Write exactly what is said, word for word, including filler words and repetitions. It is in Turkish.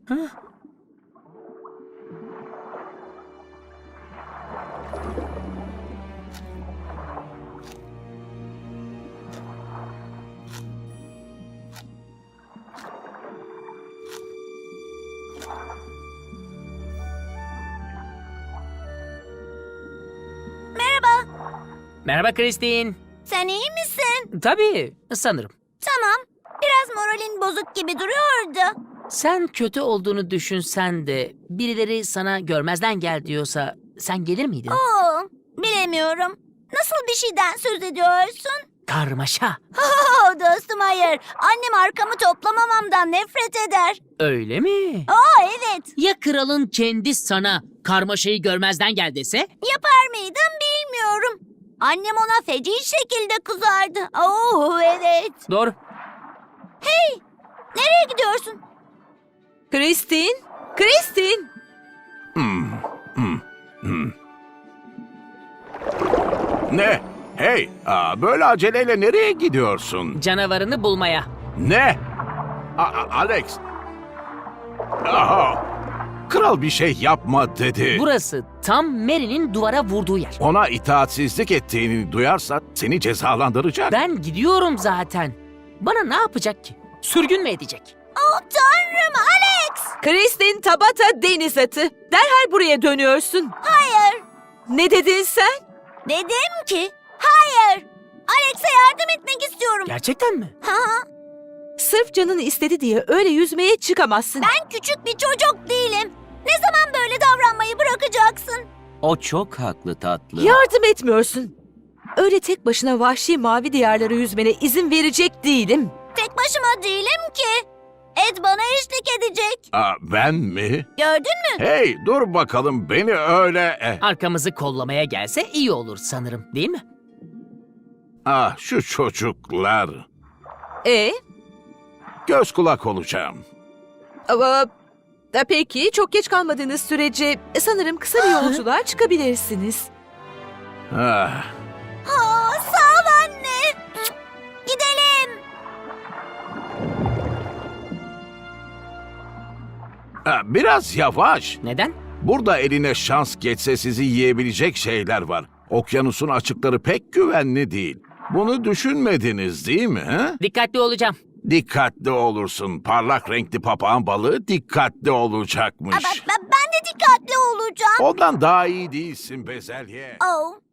Hah. Merhaba. Merhaba Christine. Sen iyi misin? Tabii, sanırım. Tamam. Biraz moralin bozuk gibi duruyordu. Sen kötü olduğunu düşünsen de birileri sana görmezden gel diyorsa sen gelir miydin? Oo, bilemiyorum. Nasıl bir şeyden söz ediyorsun? Karmaşa. Oo, dostum hayır. Annem arkamı toplamamamdan nefret eder. Öyle mi? Oo, evet. Ya kralın kendi sana karmaşayı görmezden gel dese? Yapar mıydım bilmiyorum. Annem ona feci şekilde kızardı. Oo, evet. Doğru. Hey, nereye gidiyorsun? Christine, Christine. Ne? Hey, aa, böyle aceleyle nereye gidiyorsun? Canavarını bulmaya. Ne? A- A- Alex. Aha. Kral bir şey yapma dedi. Burası tam Mary'nin duvara vurduğu yer. Ona itaatsizlik ettiğini duyarsa seni cezalandıracak. Ben gidiyorum zaten. Bana ne yapacak ki? Sürgün mü edecek? Oh tanrım Alex! Christine Tabata deniz atı. Derhal buraya dönüyorsun. Hayır. Ne dedin sen? Dedim ki hayır. Alex'e yardım etmek istiyorum. Gerçekten mi? Ha, Sırf canını istedi diye öyle yüzmeye çıkamazsın. ben küçük bir çocuk değilim. Ne zaman böyle davranmayı bırakacaksın? O çok haklı tatlı. Yardım etmiyorsun. Öyle tek başına vahşi mavi diyarlara yüzmene izin verecek değilim. Tek başıma değilim ki. Ed bana eşlik edecek. Aa, ben mi? Gördün mü? Hey, dur bakalım beni öyle... eh. Arkamızı kollamaya gelse iyi olur sanırım, değil mi? Ah, şu çocuklar. E, Göz kulak olacağım. ama e, peki çok geç kalmadığınız sürece e, sanırım kısa bir yolculuğa çıkabilirsiniz. Ah. Aa, sağ ol anne. Gidelim. Ah, biraz yavaş. Neden? Burada eline şans geçse sizi yiyebilecek şeyler var. Okyanusun açıkları pek güvenli değil. Bunu düşünmediniz değil mi? He? Dikkatli olacağım. Dikkatli olursun. Parlak renkli papağan balığı dikkatli Aa, olacakmış. ben, ben, ben de dikkatli olacağım. Ondan daha iyi değilsin bezelye. Oh.